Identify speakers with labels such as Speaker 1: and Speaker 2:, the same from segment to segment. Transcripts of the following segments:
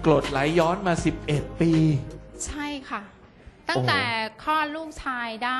Speaker 1: กรดไหลย้อนมา11 ปี
Speaker 2: ใช่ค่ะตั้งแต่คลอดลูกชายได้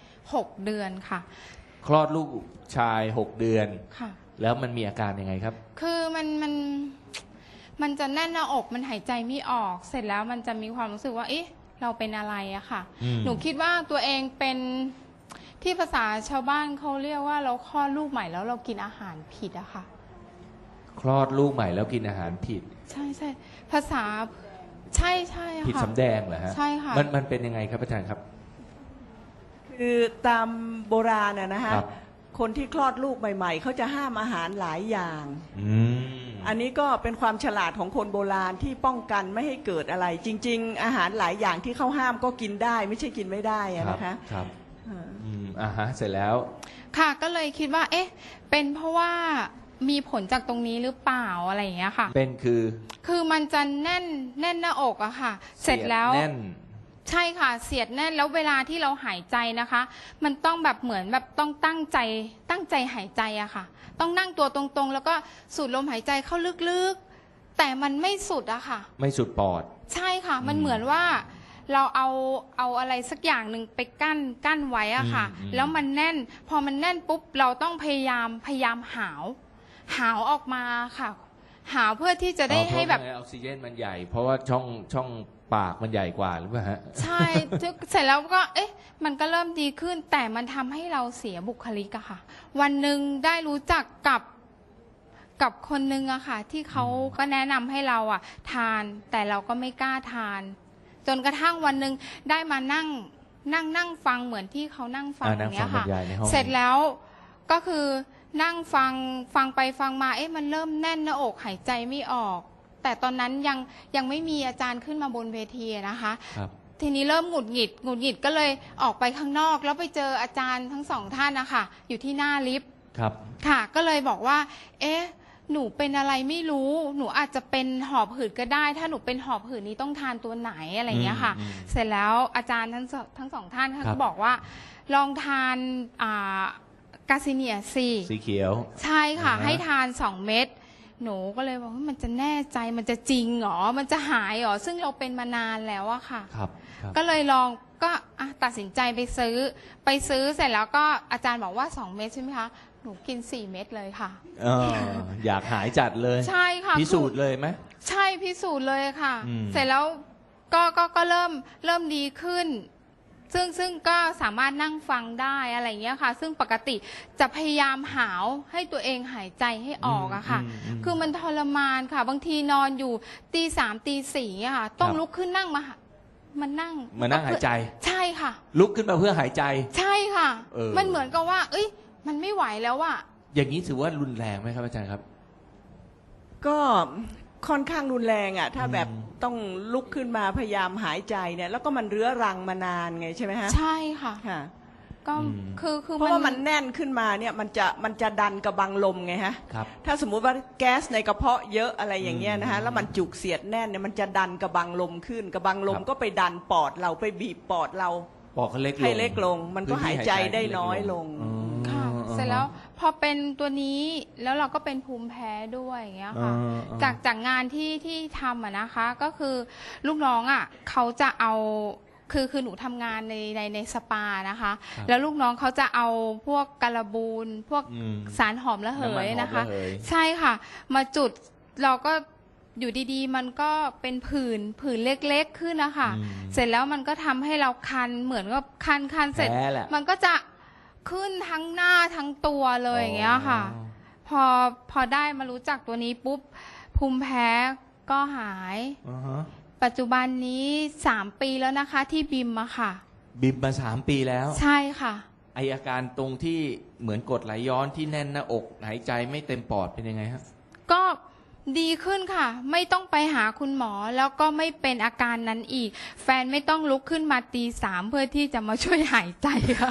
Speaker 2: 6 เดือนค่ะ
Speaker 1: คลอดลูกชาย6 เดือน
Speaker 2: ค่ะ
Speaker 1: แล้วมันมีอาการยังไงครับ
Speaker 2: คือมันจะแน่นหน้าอกมันหายใจไม่ออกเสร็จแล้วมันจะมีความรู้สึกว่าเอ๊ะเราเป็นอะไรอะค่ะหนูคิดว่าตัวเองเป็นที่ภาษาชาวบ้านเขาเรียกว่าเราคลอดลูกใหม่แล้วเรากินอาหารผิดอะค่ะ
Speaker 1: คลอดลูกใหม่แล้วกินอาหารผิด
Speaker 2: ใช่ใช่ภาษาใช่ใช่ค่ะ
Speaker 1: ผิดสำแดงเหรอฮะ
Speaker 2: ใช่ค่ะ
Speaker 1: มันเป็นยังไงครับอาจารย์ครับ
Speaker 3: คือตามโบราณนะฮะคนที่คลอดลูกใหม่ๆเขาจะห้ามอาหารหลายอย่างอันนี้ก็เป็นความฉลาดของคนโบราณที่ป้องกันไม่ให้เกิดอะไรจริงๆอาหารหลายอย่างที่เขาห้ามก็กินได้ไม่ใช่กินไม่ได้นะคะ
Speaker 1: ครับฮะเสร็จแล้ว
Speaker 2: ค่ะก็เลยคิดว่าเอ๊ะเป็นเพราะว่ามีผลจากตรงนี้หรือเปล่าอะไรอย่างเงี้ยค่ะ
Speaker 1: เป็น
Speaker 2: คือมันจะแน่นหน้าอกอะค่ะเสร็จแล้ว
Speaker 1: แน่น
Speaker 2: ใช่ค่ะเสียดแน่นแล้วเวลาที่เราหายใจนะคะมันต้องแบบเหมือนแบบต้องตั้งใจหายใจอะค่ะต้องนั่งตัวตรงๆแล้วก็สูดลมหายใจเข้าลึกๆแต่มันไม่สุดอะค่ะ
Speaker 1: ไม่สุดปอด
Speaker 2: ใช่ค่ะมันเหมือนว่าเราเอาอะไรสักอย่างหนึ่งไปกั้นไว้อะค่ะแล้วมันแน่นพอมันแน่นปุ๊บเราต้องพยายามหาวออกมาค่ะหาวเพื่อที่จะได้ให้แบบ
Speaker 1: ออกซิเจนมันใหญ่เพราะว่าช่องปากมันใหญ่กว่าหรือเปล่าฮะ
Speaker 2: ใช่เสร็จแล้วก็เอ๊ะมันก็เริ่มดีขึ้นแต่มันทำให้เราเสียบุคลิกอะค่ะวันหนึ่งได้รู้จักกับคนนึงอะค่ะที่เขาก็แนะนำให้เราอะทานแต่เราก็ไม่กล้าทานจนกระทั่งวันหนึ่งได้มานั่งฟังเหมือนที่เขานั่งฟังอย่างเงี้ยค่ะเสร็จแล้วก็คือนั่งฟังไปฟังมาเอ๊ะมันเริ่มแน่นหน้าอกหายใจไม่ออกแต่ตอนนั้นยังไม่มีอาจารย์ขึ้นมาบนเวทีนะคะทีนี้เริ่มหงุดหงิดก็เลยออกไปข้างนอกแล้วไปเจออาจารย์ทั้งสองท่านนะคะอยู่ที่หน้าลิฟต์ค่ะก็เลยบอกว่าเอ๊ะหนูเป็นอะไรไม่รู้หนูอาจจะเป็นหอบหืดก็ได้ถ้าหนูเป็นหอบหืดนี้ต้องทานตัวไหนอะไรเงี้ยค่ะเสร็จแล้วอาจารย์ทั้งสองท่านก็บอกว่าลองทานกาซิเนียสี
Speaker 1: เขียว
Speaker 2: ใช่ค่ะให้ทาน2 เม็ดหนูก็เลยบอกว่ามันจะแน่ใจมันจะจริงหรอมันจะหายหรอซึ่งเราเป็นมานานแล้วอะค่ะก็เลยลองก็ตัดสินใจไปซื้อเสร็จแล้วก็อาจารย์บอกว่า2 เม็ดใช่ไหมคะหนูกิน4 เม็ดเลยค่ะ
Speaker 1: อยากหายจัดเลย
Speaker 2: ใช่ค่ะ
Speaker 1: พิสูจน์เลยไหม
Speaker 2: ใช่พิสูจน์เลยค่ะเสร็จแล้วก็เริ่มดีขึ้นซึ่งก็สามารถนั่งฟังได้อะไรเงี้ยค่ะซึ่งปกติจะพยายามหาวให้ตัวเองหายใจให้ออกอะค่ะคือมันทรมานค่ะบางทีนอนอยู่ตี 3 ตี 4อะค่ะต้องลุกขึ้นนั่งมานั่ง
Speaker 1: หายใจ
Speaker 2: ใช่ค่ะ
Speaker 1: ลุกขึ้นมาเพื่อหายใจ
Speaker 2: ใช่ค่ะมันเหมือนกับว่าเอ้ยมันไม่ไหวแล้วอะ
Speaker 1: อย่างนี้ถือว่ารุนแรงไหมครับอาจารย์ครับ
Speaker 3: ก็ค่อนข้างรุนแรงอ่ะถ้าแบบต้องลุกขึ้นมาพยายามหายใจเนี่ยแล้วก็มันเรื้อรังมานานไงใช่ไหมฮะ
Speaker 2: ใช่ค่ะก็คือ
Speaker 3: เพราะว่ามันแน่นขึ้นมาเนี่ยมันจะดันกระบังลมไงฮะถ้าสมมุติว่าแก๊สในกระเพาะเยอะอะไรอย่างเงี้ยนะฮะแล้วมันจุกเสียดแน่นเนี่ยมันจะดันกระบังลมขึ้นกระบังลมก็ไปดันปอดเราไปบีบปอดเราให้เล็กลงมันก็หายใจได้น้อยลง
Speaker 2: ค่ะเสร็จแล้วพอเป็นตัวนี้แล้วเราก็เป็นภูมิแพ้ด้วยอย่างเงี้ยค่ะจากงานที่ทำอะนะคะก็คือลูกน้องอะเขาจะเอาคือหนูทำงานในสปานะคะแล้วลูกน้องเขาจะเอาพวกการบูนพวกสารหอมระเหยนะคะใช่ค่ะมาจุดเราก็อยู่ดีๆมันก็เป็นผื่นเล็กๆขึ้นนะคะเสร็จแล้วมันก็ทำให้เราคันเหมือนกับคันเสร็จมันก็จะขึ้นทั้งหน้าทั้งตัวเลยอย่างเงี้ยค่ะพอได้มารู้จักตัวนี้ปุ๊บภูมิแพ้ก็หายปัจจุบันนี้3 ปีแล้วนะคะที่บิมอะค่ะ
Speaker 1: บิมมา3 ปีแล้ว
Speaker 2: ใช่ค่ะ
Speaker 1: อาการตรงที่เหมือนกรดไหลย้อนที่แน่นหน้าอกหายใจไม่เต็มปอดเป็นยังไงครับ
Speaker 2: ก็ดีขึ้นค่ะไม่ต้องไปหาคุณหมอแล้วก็ไม่เป็นอาการนั้นอีกแฟนไม่ต้องลุกขึ้นมาตี 3เพื่อที่จะมาช่วยหายใจค่ะ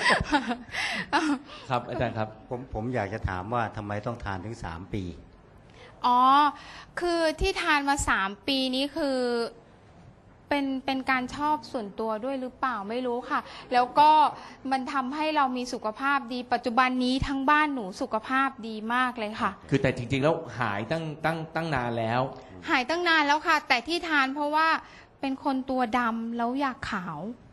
Speaker 1: ครับอาจารย์ครับ
Speaker 4: ผมอยากจะถามว่าทำไมต้องทานถึง3 ปี
Speaker 2: อ๋อคือที่ทานมา3 ปีนี้คือเป็นการชอบส่วนตัวด้วยหรือเปล่าไม่รู้ค่ะแล้วก็มันทำให้เรามีสุขภาพดีปัจจุบันนี้ทั้งบ้านหนูสุขภาพดีมากเลยค่ะ
Speaker 1: คือแต่จริงๆแล้วหายตั้งนานแล้ว
Speaker 2: หายตั้งนานแล้วค่ะ แต่ที่ทานเพราะว่าเป็นคนตัวดำแล้วอยากขาว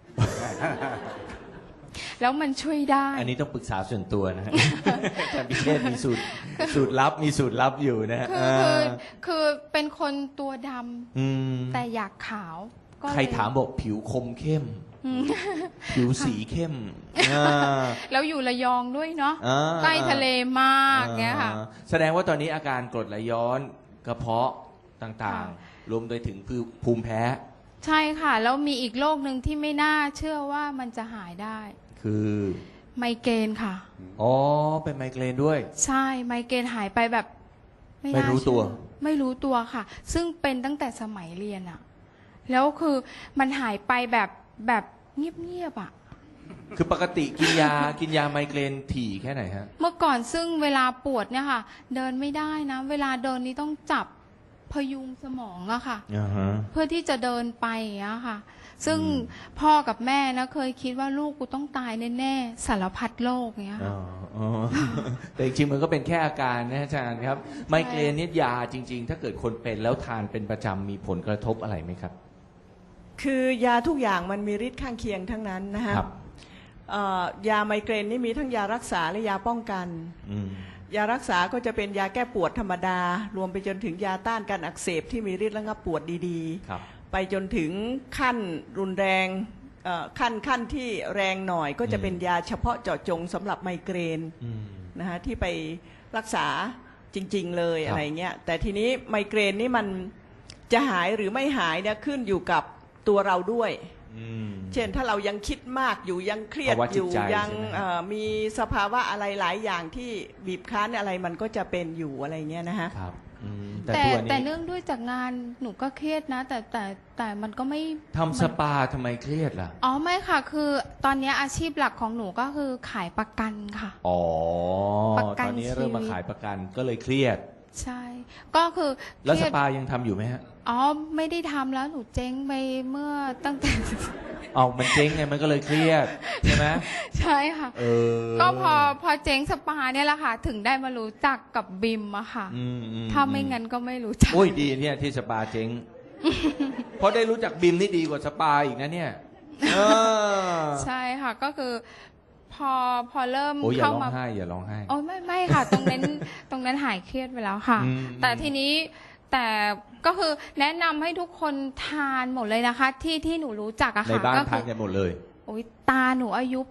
Speaker 2: แล้วมันช่วยได้
Speaker 1: อันนี้ต้องปรึกษาส่วนตัวนะฮะ อาจารย์พิเชษมีสูตรลับมีสูตรลับอยู่นะฮะ
Speaker 2: คือเป็นคนตัวด
Speaker 1: อืม
Speaker 2: ำแต่อยากขาวก็เลย
Speaker 1: ใครถามบอกผิวคมเข้ม
Speaker 2: อืม
Speaker 1: ผิวสีเข้มอ่า
Speaker 2: แล้วอยู่ระยองด้วยเนาะ
Speaker 1: อ่า
Speaker 2: ใกล้ทะเลมากเงี้ยค่ะ
Speaker 1: แสดงว่าตอนนี้อาการกรดไหลย้อนกระเพาะต่าง
Speaker 2: ค่ะ
Speaker 1: ๆ รวมไปถึงภูมิแพ้
Speaker 2: ใช่ค่ะ แล้วมีอีกโรคหนึ่งที่ไม่น่าเชื่อว่ามันจะหายได้
Speaker 1: คือ
Speaker 2: ไมเกรนค่ะ
Speaker 1: อ๋อเป็นไมเกรนด้วย
Speaker 2: ใช่ไมเกรนหายไปแบบ
Speaker 1: ไม่
Speaker 2: น่า
Speaker 1: รู้ตัว
Speaker 2: เชื่อไม่รู้ตัวค่ะ ซึ่งเป็นตั้งแต่สมัยเรียนอะแล้วคือมันหายไปแบบเงียบๆอะ
Speaker 1: คือปกติกินยาไมเกรนถี่แค่ไหนฮะ
Speaker 2: เมื่อก่อนซึ่งเวลาปวดเนี่ยค่ะ เดินไม่ได้นะ เวลาเดินนี่ต้องจับพยุงสมองอะค่ะ
Speaker 1: อ่าฮะ
Speaker 2: เพื่อที่จะเดินไปอย่างเงี้ยค่ะ ซึ่งพ่อกับแม่นะเคยคิดว่าลูกกูต้องตายแน่ๆสารพัดโรคเงี้ย
Speaker 1: อ๋
Speaker 2: ค่ะ
Speaker 1: ออ๋อ แต่จริงๆมันก็เป็นแค่อาการนะอาจารย์ครับ ไมเกรนเนี่ยยาจริง ๆ ถ้าเกิดคนเป็นแล้วทานเป็นประจำมีผลกระทบอะไรไหมครับ
Speaker 3: คือยาทุกอย่างมันมีฤทธิ์ข้างเคียงทั้งนั้นนะฮะ
Speaker 1: ครับ
Speaker 3: ยาไมเกรนนี่มีทั้งยารักษาและยาป้องกัน
Speaker 1: อืม
Speaker 3: ยารักษาก็จะเป็นยาแก้ปวดธรรมดา รวมไปจนถึงยาต้านการอักเสบที่มีฤทธิ์ระงับปวดดี
Speaker 1: ครับ
Speaker 3: ๆ ไปจนถึงขั้นรุนแรงขั้นที่แรงหน่อยก็จะเป็นยาเฉพาะเจาะจงสำหรับไมเกรน
Speaker 1: อืม
Speaker 3: นะฮะที่ไปรักษาจริง ๆ เลย
Speaker 1: ครับ
Speaker 3: อะไรเงี้ยแต่ทีนี้ไมเกรนนี่มันจะหายหรือไม่หายเนี่ยขึ้นอยู่กับตัวเราด้วย
Speaker 1: อืม
Speaker 3: เช่นถ้าเรายังคิดมากอยู่ยังเครียด
Speaker 1: ภาวะ
Speaker 3: อ
Speaker 1: จิต
Speaker 3: ยู่
Speaker 1: ใจ
Speaker 3: ยัง
Speaker 1: ใช่ไหม
Speaker 3: มีสภาวะอะไรหลายอย่างที่บีบคั้นอะไรมันก็จะเป็นอยู่อะไรเงี้ยนะฮะ
Speaker 1: ครับอืมแต่
Speaker 2: แต่
Speaker 1: ตัว
Speaker 2: แต่
Speaker 1: นี้
Speaker 2: เนื่องด้วยจากงานหนูก็เครียดนะ แต่มันก็ไม่
Speaker 1: ทำสปาทำไมเครียดล่ะ
Speaker 2: อ๋อไม่ค่ะ คือตอนนี้อาชีพหลักของหนูก็คือขายประกันค่ะ
Speaker 1: อ๋อ
Speaker 2: ประกัน
Speaker 1: ตอนนี้เริ่มมา
Speaker 2: ชีวิต
Speaker 1: ขายประกันก็เลยเครียด
Speaker 2: ใช่ ก็คือ
Speaker 1: แล้ว
Speaker 2: เค
Speaker 1: ส
Speaker 2: รียด
Speaker 1: ปายังทำอยู่ไหมฮะ
Speaker 2: อ๋อไม่ได้ทำแล้วหนูเจ๊งไปเมื่อตั้งแต่
Speaker 1: เอามันเจ๊งไงมันก็เลยเครียดใช่ไหม
Speaker 2: ใช่ค่ะ
Speaker 1: เออ
Speaker 2: ก็พอเจ๊งสปาเนี่ยแหละค่ะ ถึงได้มารู้จักกับบิมอะค่ะ
Speaker 1: อืม
Speaker 2: ถ้าไม่งั้นก็ไม่รู้จัก
Speaker 1: โอ้ยดีเนี่ยที่สปาเจ๊ง เพราะได้รู้จักบิมนี่ดีกว่าสปาอีกนะเนี่ยเออ
Speaker 2: ใช่ค่ะ ก็คือพอเริ่ม
Speaker 1: โอ้ยอย่า
Speaker 2: เข้า
Speaker 1: ร้อง
Speaker 2: มา
Speaker 1: ไห้อย่าร้องไห้
Speaker 2: โอ้ยไม่ค่ะ ตรงนั้นหายเครียดไปแล้วค่ะ
Speaker 1: อืม
Speaker 2: แต่ทีนี้แต่ก็คือแนะนำให้ทุกคนทานหมดเลยนะคะ ที่หนูรู้จักอะ
Speaker 1: ใน
Speaker 2: ค่ะ
Speaker 1: บ้าน
Speaker 2: ก็
Speaker 1: ทานกันหมดเลย
Speaker 2: โอ้ยตาหนูอายุ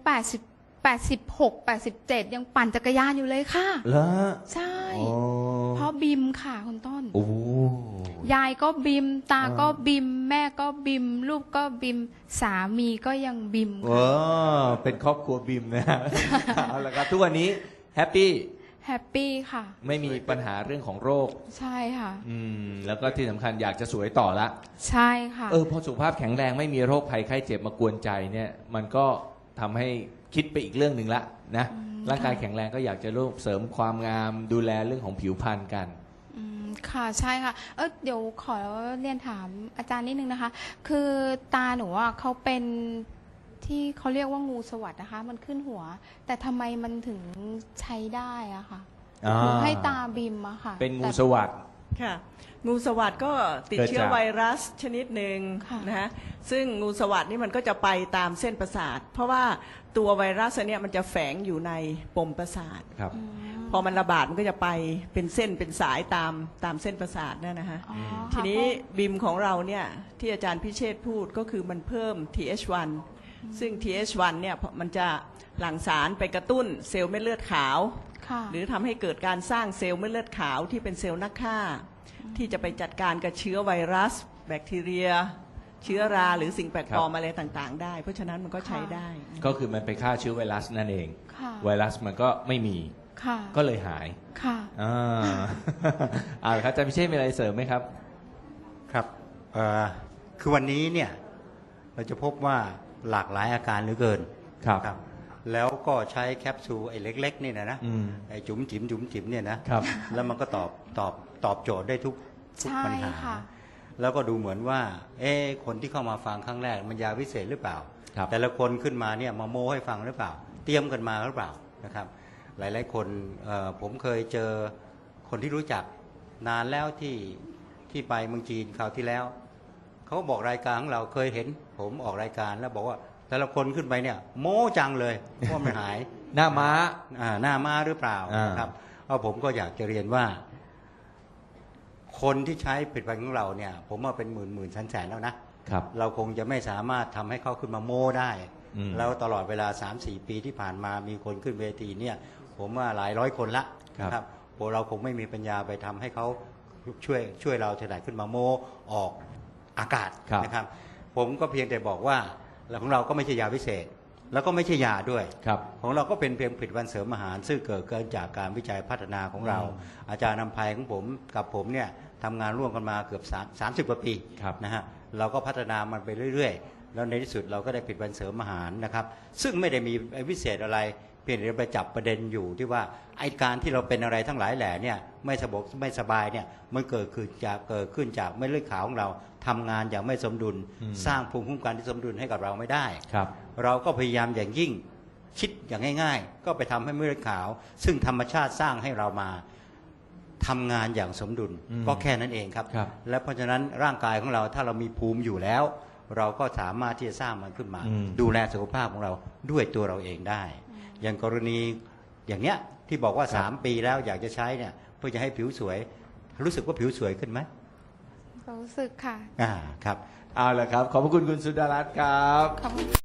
Speaker 2: 86 87ยังปั่นจักรยานอยู่เลยค่ะ
Speaker 1: แล้ว
Speaker 2: ใช่
Speaker 1: โอ้
Speaker 2: เพราะบิมค่ะคุณต้น
Speaker 1: โอ้
Speaker 2: ยายก็บิม ตา
Speaker 1: อ่า
Speaker 2: ก็บิม แม่ก็บิม ลูกก็บิม สามีก็ยังบิม
Speaker 1: เอ
Speaker 2: ค่ะ
Speaker 1: อเป็นครอบครัวบิมนะ เอาละครับทุกวันนี้แฮปปี้
Speaker 2: แฮปปี้ค่ะ
Speaker 1: ไม่มีปัญหาเรื่องของโรค
Speaker 2: ใช่ค่ะ
Speaker 1: แล้วก็ที่สำคัญอยากจะสวยต่อละ
Speaker 2: ใช่ค่ะ
Speaker 1: พอสุขภาพแข็งแรงไม่มีโรคภัยไข้เจ็บมากวนใจเนี่ย มันก็ทำให้คิดไปอีกเรื่องหนึ่งละนะ ร่างกายแข็งแรงก็อยากจะร่วมเสริมความงามดูแลเรื่องของผิวพรรณกัน
Speaker 2: ค่ะใช่ค่ะ เดี๋ยวขอเรียนถามอาจารย์นิดนึงนะคะ คือตาหนูอ่ะเขาเป็นที่เขาเรียกว่างูสวัสดนะคะ มันขึ้นหัว แต่ทำไมมันถึงใช้ได้อะค่ะ
Speaker 1: อ่า
Speaker 2: หนูให้ตาบิมอะค่ะ
Speaker 1: เป็นงู
Speaker 2: แต่
Speaker 1: สวัสด
Speaker 3: ค่ะงูสวัสด์ก็ติดเชื้อ
Speaker 1: เกิดจาก
Speaker 3: ไวรัสชนิดหนึ่ง
Speaker 2: ค่ะ
Speaker 3: นะฮะซึ่งงูสวัสด์นี่มันก็จะไปตามเส้นประสาท เพราะว่าตัวไวรัสอันเนี่ยมันจะแฝงอยู่ในปมประสาท
Speaker 1: ครับ
Speaker 3: พอมันระบาดมันก็จะไปเป็นเส้นเป็นสายตามเส้นประสาทนั่นนะฮะ
Speaker 2: อ๋อ
Speaker 3: ทีนี้
Speaker 2: ค่ะ
Speaker 3: บิมของเราเนี่ยที่อาจารย์พิเชษฐ์พูดก็คือมันเพิ่ม TH1 ซึ่ง TH1 เนี่ยมันจะหลั่งสารไปกระตุ้นเซลล์เม็ดเลือดขาว
Speaker 2: ค่ะ
Speaker 3: หรือทำให้เกิดการสร้างเซลล์เม็ดเลือดขาวที่เป็นเซลล์นักฆ่า ที่จะไปจัดการกับเชื้อไวรัส แบคทีเรีย เชื้อราหรือสิ่งแปลกปลอมอะไรต่างๆ ได้ เพราะฉะนั้นมันก็ใช้ได้
Speaker 1: ก็คือมันไปฆ่าเชื้อไวรัสนั่นเอง
Speaker 2: ค่ะ
Speaker 1: ไวรัสมันก็ไม่มี
Speaker 2: ค่ะ
Speaker 1: ก็เลยหาย
Speaker 2: ค่ะ
Speaker 1: อ่า เอาละครับอาจารย์พิเชษมีอะไรเสริมไหมครับ
Speaker 4: ครับคือวันนี้เนี่ยเราจะพบว่าหลากหลายอาการเหลือเกิน
Speaker 1: ครับ
Speaker 4: แล้วก็ใช้แคปซูลไอ้เล็กๆนี่นะ
Speaker 1: อืม
Speaker 4: ไอ้จุ๋มจิ๋มเนี่ยนะครับ แล้วมันก็ตอบโจทย์ได้ทุก
Speaker 2: ใช่
Speaker 4: ปัญหา
Speaker 2: ค่ะ
Speaker 4: แล้วก็ดูเหมือนว่าคนที่เข้ามาฟังครั้งแรกมันยาวิเศษหรือเปล่า
Speaker 1: ครับ
Speaker 4: แต่ละคนขึ้นมาเนี่ยมาโม้ให้ฟังหรือเปล่า เตรียมกันมาหรือเปล่านะครับ หลายๆคนผมเคยเจอคนที่รู้จักนานแล้วที่ที่ไปเมืองจีนคราวที่แล้วเขาบอกรายการของเราเคยเห็นผมออกรายการแล้วบอกว่าแต่ละคนขึ้นไปเนี่ยโม้จังเลยว่ามันหาย
Speaker 1: หน้าม้า
Speaker 4: หน้าม้าหรือเปล่า
Speaker 1: อ่า
Speaker 4: นะครับเอาผมก็อยากจะเรียนว่า คนที่ใช้ผลิตภัณฑ์ของเราเนี่ย ผมว่าเป็นหมื่นแสนแล้วนะครับ เราคงจะไม่สามารถทำให้เขาขึ้นมาโม้ได้
Speaker 1: อืม
Speaker 4: แล้วตลอดเวลา 3-4 ปีที่ผ่านมามีคนขึ้นเวทีเนี่ย ผมว่าหลายร้อยคนละนะครับพวกเราคงไม่มีปัญญาไปทำให้เขาช่วยเราถนัดขึ้นมาโม้ออกอากาศ
Speaker 1: ครับ
Speaker 4: นะครับ ผมก็เพียงแต่บอกว่าของเราก็ไม่ใช่ยาพิเศษ แล้วก็ไม่ใช่ยาด้วย
Speaker 1: ครับ
Speaker 4: ของเราก็เป็นเพียงผลิตภัณฑ์เสริมอาหาร ซึ่งเกิดจากการวิจัยพัฒนาของเรา อาจารย์นำภัยของผมกับผมเนี่ยทำงานร่วมกันมาเกือบ30 กว่าปี
Speaker 1: ครับ
Speaker 4: นะฮะเราก็พัฒนามันไปเรื่อยๆ แล้วในที่สุดเราก็ได้ผลิตภัณฑ์เสริมอาหารนะครับซึ่งไม่ได้มีวิเศษอะไรเพียงแต่ไปจับประเด็นอยู่ที่ว่าไอ้การที่เราเป็นอะไรทั้งหลายแหล่เนี่ยไม่สบายเนี่ยมันเกิดขึ้นจากเม็ดเลือดขาวของเราทำงานอย่างไม่สมดุล สร้างภูมิคุ้มกันที่สมดุลให้กับเราไม่ได้
Speaker 1: ครับ
Speaker 4: เราก็พยายามอย่างยิ่งคิดอย่างง่ายๆ ก็ไปทำให้เม็ดเลือดขาว ซึ่งธรรมชาติสร้างให้เรามาทำงานอย่างสมดุล ก็แค่นั้นเองครับ
Speaker 1: ครับ
Speaker 4: และเพราะฉะนั้นร่างกายของเราถ้าเรามีภูมิอยู่แล้ว เราก็สามารถที่จะสร้างมันขึ้นมา ดูแลสุขภาพของเราด้วยตัวเราเองได้ อย่างกรณีอย่างเนี้ยที่บอกว่า 3 ปีแล้วอยากจะใช้เนี่ยเพื่อจะให้ผิวสวย รู้สึกว่าผิวสวยขึ้นไหม
Speaker 2: รู้สึกค่ะ
Speaker 4: ครับ
Speaker 1: เอาละครับ ขอบพระคุณคุณสุดารัตน์ครับ
Speaker 2: ขอบคุณ